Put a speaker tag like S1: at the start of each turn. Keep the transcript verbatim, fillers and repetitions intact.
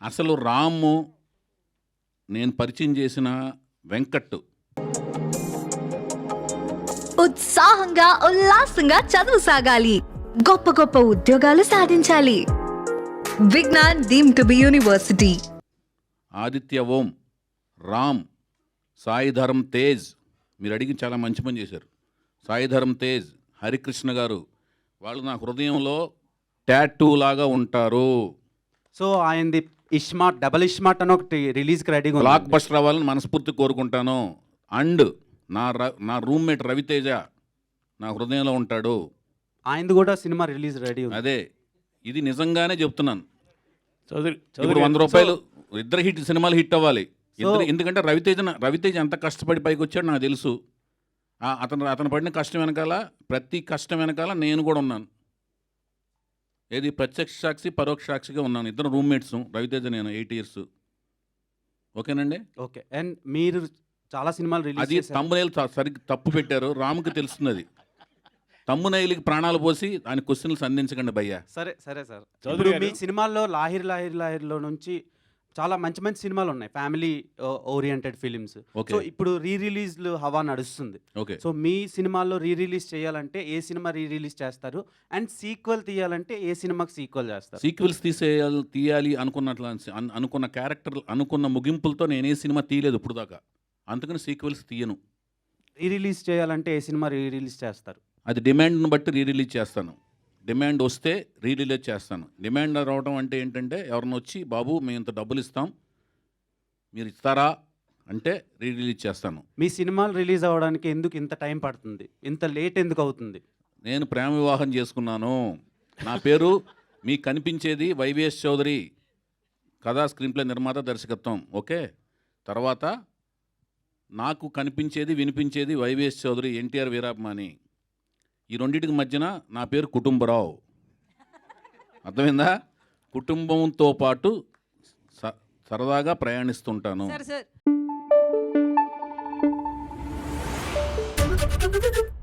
S1: అసలు రాము నేను పరిచయం చేసిన వెంకట్
S2: ఉత్సాహంగా ఉల్లాసంగా చదువు సాగాలి, గొప్ప గొప్ప ఉద్యోగాలు సాధించాలి. Vignan deemed to be university.
S1: Aditya Om, Ram, Sai Dharam Tej. మీరు అడిగి చాలా మంచి పని చేశారు. సాయి ధరమ్ తేజ్, హరికృష్ణ గారు, వాళ్ళు నా హృదయంలో టాటూ లాగా ఉంటారు.
S3: సో ఆయనది ఇస్మార్ట్, డబల్ ఇస్మార్ట్ అని ఒకటి రిలీజ్కి రెడీగా ఉంది.
S1: బ్లాక్ బస్టర్ అవ్వాలని మనస్ఫూర్తి కోరుకుంటాను. అండ్ నా నా రూమ్మేట్ రవితేజ నా హృదయంలో ఉంటాడు.
S3: ఆయనది కూడా సినిమా రిలీజ్ రెడీ ఉంది.
S1: అదే, ఇది నిజంగానే చెప్తున్నాను.
S4: చౌదరి
S1: ఇప్పుడు వంద రూపాయలు ఇద్దరు హిట్ సినిమాలు హిట్ అవ్వాలి ఇద్దరు. ఎందుకంటే రవితేజ రవితేజ ఎంత కష్టపడి పైకి వచ్చాడు నాకు తెలుసు. అతను అతను పడిన కష్టం వెనకాల, ప్రతి కష్టం వెనకాల నేను కూడా ఉన్నాను. ఏది ప్రత్యక్ష సాక్షి పరోక్ష సాక్షిగా ఉన్నాను. ఇద్దరు రూమ్మేట్స్, రవితేజ నేను, ఎయిట్ ఇయర్స్. ఓకేనండి.
S3: ఓకే. అండ్ మీరు చాలా సినిమాలు రిలీజ్
S1: అది తమ్మునైలు సరిగ్గా తప్పు పెట్టారు. రాముకి తెలుస్తుంది అది. తమ్మునైలికి ప్రాణాలు పోసి ఆయన క్వశ్చన్లు సంధించకండి భయ్యా.
S3: సరే సరే సార్. ఇప్పుడు మీ సినిమాల్లో లాహిర్ లాహిర్ లాహిర్లో నుంచి చాలా మంచి మంచి సినిమాలు ఉన్నాయి, ఫ్యామిలీ ఓరియంటెడ్ ఫిలిమ్స్. సో ఇప్పుడు రీ రిలీజ్లు హవా నడుస్తుంది.
S1: ఓకే.
S3: సో మీ సినిమాల్లో రీ రిలీజ్ చేయాలంటే ఏ సినిమా రీ రిలీజ్ చేస్తారు? అండ్ సీక్వెల్ తీయాలంటే ఏ సినిమాకి సీక్వెల్ చేస్తారు?
S1: సీక్వెల్స్ తీసేయాలి తీయాలి అనుకున్నట్లు అనుకున్న క్యారెక్టర్ అనుకున్న ముగింపులతో నేనే సినిమా తీయలేదు ఇప్పుడు దాకా. అందుకని సీక్వెల్స్ తీయను.
S3: రీ రిలీజ్ చేయాలంటే ఏ సినిమా రీ రిలీజ్ చేస్తారు?
S1: అది డిమాండ్ను బట్టి రీ రిలీజ్ చేస్తాను. డిమాండ్ వస్తే రీ రిలీజ్ చేస్తాను. డిమాండ్ రావడం అంటే ఏంటంటే ఎవరిని వచ్చి బాబు మేము ఇంత డబ్బులు ఇస్తాం మీరు ఇస్తారా అంటే రీ రిలీజ్ చేస్తాను.
S3: మీ సినిమాలు రిలీజ్ అవ్వడానికి ఎందుకు ఇంత టైం పడుతుంది? ఇంత లేట్ ఎందుకు అవుతుంది?
S1: నేను ప్రేమ వివాహం చేసుకున్నాను. నా పేరు మీకు కనిపించేది వైవిఎస్ చౌదరి, కథా స్క్రీన్ ప్లే నిర్మాత, దర్శకత్వం. ఓకే. తర్వాత నాకు కనిపించేది వినిపించేది వైవిఎస్ చౌదరి, ఎన్టీఆర్ వీరాభిమాని. ఈ రెండింటికి మధ్యన నా పేరు కుటుంబరావు. అర్థమైందా? కుటుంబంతో పాటు సరదాగా ప్రయాణిస్తుంటాను.
S2: సరే సార్.